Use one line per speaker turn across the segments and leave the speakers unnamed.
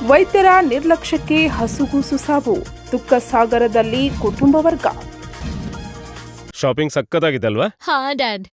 ವೈದ್ಯರ ನಿರ್ಲಕ್ಷ್ಯಕ್ಕೆ ಹಸುಗೂಸು ಸಾವು, ದುಃಖ ಸಾಗರದಲ್ಲಿ ಕುಟುಂಬ ವರ್ಗ.
ಶಾಪಿಂಗ್ ಸಕ್ಕತ್ತಾಗಿದಲ್ವಾ?
ಹಾ ಡ್ಯಾಡ್.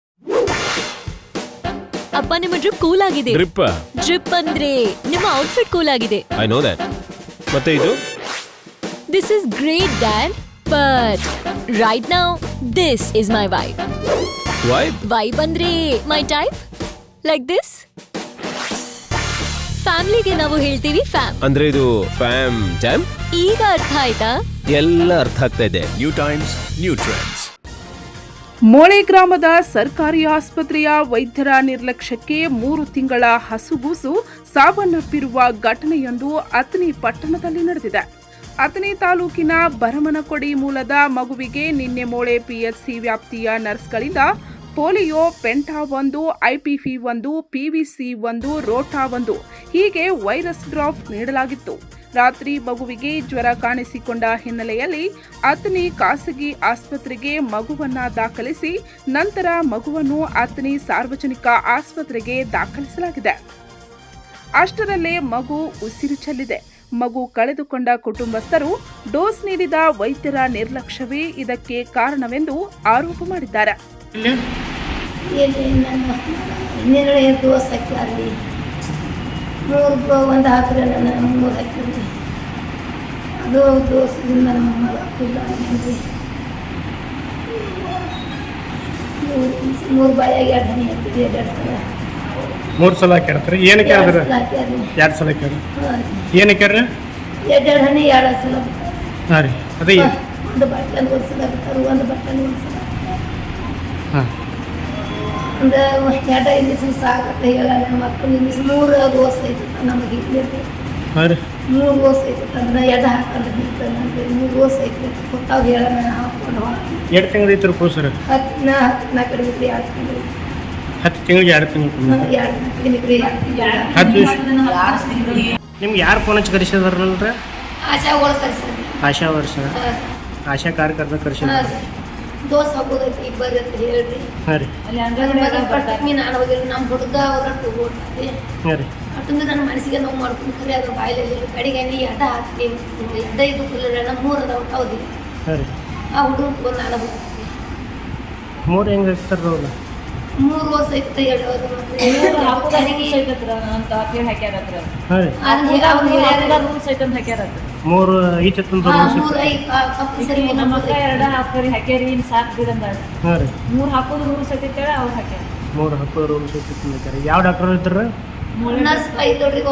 ಅಪ್ಪ ನಿಮ್ಮ ಡ್ರಿಪ್ ಕೂಲ್ ಆಗಿದೆ. ಡ್ರಿಪ್ ಅಂದ್ರೆ ನಿಮ್ಮ ಔಟ್ಫಿಟ್ ಕೂಲ್ ಆಗಿದೆ.
I know that. ಮತ್ತೆ ಇದು
this is great dad, but right now this is my vibe. Vibe ಅಂದ್ರೆ ಮೈ ಟೈಪ್, ಲೈಕ್ ದಿಸ್. ಫ್ಯಾಮಿಲಿಗೆ ನಾವು ಹೇಳ್ತೀವಿ ಫ್ಯಾಮ್
ಅಂದ್ರೆ ಇದು ಫ್ಯಾಮ್ ಜಾಮ್.
ಈಗ ಅರ್ಥ ಆಯ್ತಾ?
ಎಲ್ಲ ಅರ್ಥ ಆಗ್ತಾ ಇದೆ.
New times, new trends.
Mole ಗ್ರಾಮದ ಸರ್ಕಾರಿ ಆಸ್ಪತ್ರೆಯ ವೈದ್ಯರ ನಿರ್ಲಕ್ಷ್ಯಕ್ಕೆ 3 ತಿಂಗಳ ಹಸುಗೂಸು ಸಾವನ್ನಪ್ಪಿರುವ ಘಟನೆಯೊಂದು ಅಥಣಿ ಪಟ್ಟಣದಲ್ಲಿ ನಡೆದಿದೆ. ಅಥಣಿ ತಾಲೂಕಿನ ಬರಮನಕೊಡಿ ಮೂಲದ ಮಗುವಿಗೆ ನಿನ್ನೆ ಮೋಳೆ ಪಿಎಚ್ಸಿ ವ್ಯಾಪ್ತಿಯ ನರ್ಸ್ಗಳಿಂದ polio, penta 1, IPV 1, PVC 1, rota 1 ಹೀಗೆ ವೈರಸ್ ಡ್ರಾಪ್ ನೀಡಲಾಗಿತ್ತು. ರಾತ್ರಿ ಮಗುವಿಗೆ ಜ್ವರ ಕಾಣಿಸಿಕೊಂಡ ಹಿನ್ನೆಲೆಯಲ್ಲಿ ಅಥಣಿ ಖಾಸಗಿ ಆಸ್ಪತ್ರೆಗೆ ಮಗುವನ್ನ ದಾಖಲಿಸಿ ನಂತರ ಮಗುವನ್ನು ಅಥಣಿ ಸಾರ್ವಜನಿಕ ಆಸ್ಪತ್ರೆಗೆ ದಾಖಲಿಸಲಾಗಿದೆ. ಅಷ್ಟರಲ್ಲೇ ಮಗು ಉಸಿರು ಚೆಲ್ಲಿದೆ. ಮಗು ಕಳೆದುಕೊಂಡ ಕುಟುಂಬಸ್ಥರು ಡೋಸ್ ನೀಡಿದ ವೈದ್ಯರ ನಿರ್ಲಕ್ಷ್ಯವೇ ಇದಕ್ಕೆ ಕಾರಣವೆಂದು ಆರೋಪ ಮಾಡಿದ್ದಾರೆ.
ಒಂದು ಹಾಕಿದ್ರೆ ನನ್ನ 3 ಹಾಕಿದ್ರಿ, ಅದು ದೋಸದಿಂದ ನಮ್ಮ ಮಗ ಕುಡ್ರಿ 3 ಬಾಯಾಗಿ 2 ಹನಿ ಹಾಕಿದ್ರಿ.
3 ಸಲ ಹಾಕ್ಯಾರ. ಏನಕ್ಕೆ ಆದ್ರೆ 2 ಸಲ ಹಾಕ್ಯಾರ. ಏನಕ್ಕೆ
2 ಹನಿ 2 ಸಲ.
ಹಾಂ ರೀ, ಅದೇ
ಒಂದು ಬಟ್ಟೆ ಓಡಿಸಲ ಒಂದು ಬಟ್ಟೆ ಓಡಿಸಲ ಒಂದು 2 ಇಂಜೆಕ್ಷನ್ ಸಾಕತ್ತೆ ಹೇಳಲ್ಲ. ಮಕ್ಕಳು ಇಂಜೆಕ್ಷನ್ 3 ಡೋಸ್ ಐತಿ ನಮಗೆ ಇರ್ಲಿ.
ಹಾಂ ರೀ,
3 ಡೋಸ್ ಐತಿ ಅಂದ್ರೆ 2 ಹಾಕೊಂಡು ಬಿಡ್ತಾನೆ. 3 ಡೋಸ್ ಐತಿ ಕೊಟ್ಟಾಗ ಹೇಳಲ್ಲ. ಹಾಕೊಂಡು
2 ತಿಂಗಳು ಐತ್ರಿ ಕೋಸರ.
10 ಕಡಿಮೆ 2 ತಿಂಗಳು.
10 ತಿಂಗಳಿಗೆ 2 ತಿಂಗಳು. 10 ದಿವಸ. ನಿಮ್ಗೆ ಯಾರು ಫೋನ್ ಹಚ್ಚಿ ಕರೆಸಿದಾರಲ್ರಿ?
ಆಶಾ ಒಳಗೆ ಕರೆಸಿದ್ರಿ.
ಆಶಾ ವರ್ಷ ಆಶಾ ಕಾರ್ಯಕರ್ತ ಕರೆಸಿದ್ರು.
ದೋಸ್ ಹಾಕೋದೈತಿ ಇಬ್ಬರು ಅಂತ ಹೇಳ್ರಿ.
ಹಾಂ ರೀ,
ನಾನು ಹೋಗಿಲ್ಲ. ನಮ್ಮ ಹುಡುಗ ಅವ್ರ ತಗೋಡ್ರಿ.
ಹಾಂ ರೀ,
ಅಷ್ಟೊಂದು ನನ್ನ ಮನಸ್ಸಿಗೆ ನೋವು ಮಾಡ್ಕೊಂಡು ಖರೆ ಅದ್ರ ಬಾಯಿಲೆಲ್ಲ ಕಡೆಗೆ 2 ಹಾಕ್ತೀವಿ. 2 ಇದು ಕುಲ್ಲರ 3 ಅದಾವ ಹೌದು.
ಹಾಂ ರೀ,
ಆ ಹುಡುಗ ನಾನು
3 ಹೆಂಗೆ ಹಾಕ್ತಾರ ಅವ್ರು?
3 ವರ್ಷ ಐತೆ ಹೇಳೋದು.
ಮೂರು ಈಚೆ ತಂದು
ಹಾಕೋದು ರೂಲ್ಸ್ ಐತಿ. ಅವ್ರು ಹಾಕ್ಯಾರ
3 ಹಾಕೋದು ರೂಲ್ಸ್ ಐತಿ. ಯಾವ ಡಾಕ್ಟರ್ ಇದ್ರು?
ನರ್ಸ್ ಬೈ ದೊಡ್ಡರಿಗೆ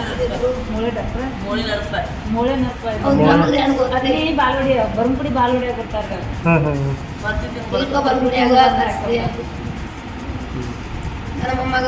ಬಾಲ್ವಡಿ ಬರಂಪುಡಿ ಬಾಲ್ವಡಿಯಾಗ ಬರ್ತಾರ.
ನಮ್ಮ ಮಗ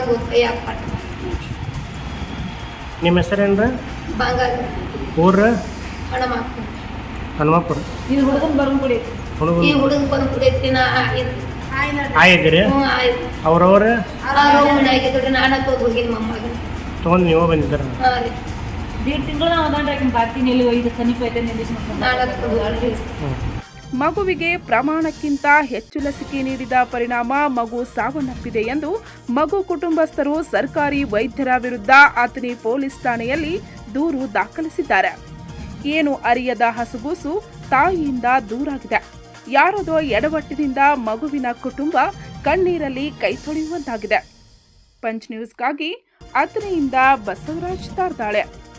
ನಿಮ್ಮ ಹೆಸರೇನ್ರ? ಊರ ಹನುಮಪ್ಪುರ.
ಇದು ಹುಡುಗನ್ ಬರಂಪುಡಿ.
ಈ ಹುಡುಗನ್ ಬರಂಪುಡಿ ಐತಿ.
ಆಯ್ತು. ಅವ್ರವ್ರ
ನಾನು ಹೋಗಿನಿ ಮಮ್ಮಗೆ
ತೊಗೊಂಡು ನೀವು ಬಂದಿದ್ದಾರ?
1.5 ತಿಂಗಳು ನಾವು ಅದಾಂಡ್ರಾಕಿನ ಬಾರ್ತೀನಿ. ಎಲ್ಲಿ ಇದು ಸಮೀಪ ಐತೆ
ಮಗುವಿಗೆ ಪ್ರಮಾಣಕ್ಕಿಂತ ಹೆಚ್ಚು ಲಸಿಕೆ ನೀಡಿದ ಪರಿಣಾಮ ಮಗು ಸಾವನ್ನಪ್ಪಿದೆ ಎಂದು ಮಗು ಕುಟುಂಬಸ್ಥರು ಸರ್ಕಾರಿ ವೈದ್ಯರ ವಿರುದ್ಧ ಅಥಣಿ ಪೊಲೀಸ್ ಠಾಣೆಯಲ್ಲಿ ದೂರು ದಾಖಲಿಸಿದ್ದಾರೆ. ಏನು ಅರಿಯದ ಹಸುಗೂಸು ತಾಯಿಯಿಂದ ದೂರಾಗಿದೆ. ಯಾರದೋ ಎಡವಟ್ಟಿನಿಂದ ಮಗುವಿನ ಕುಟುಂಬ ಕಣ್ಣೀರಲ್ಲಿ ಕೈ ತೊಳೆಯುವಂತಾಗಿದೆ. ಪಂಚ್ ನ್ಯೂಸ್ಗಾಗಿ ಅಥಣಿಯಿಂದ ಬಸವರಾಜ್ ತಾರ್ದಾಳೆ.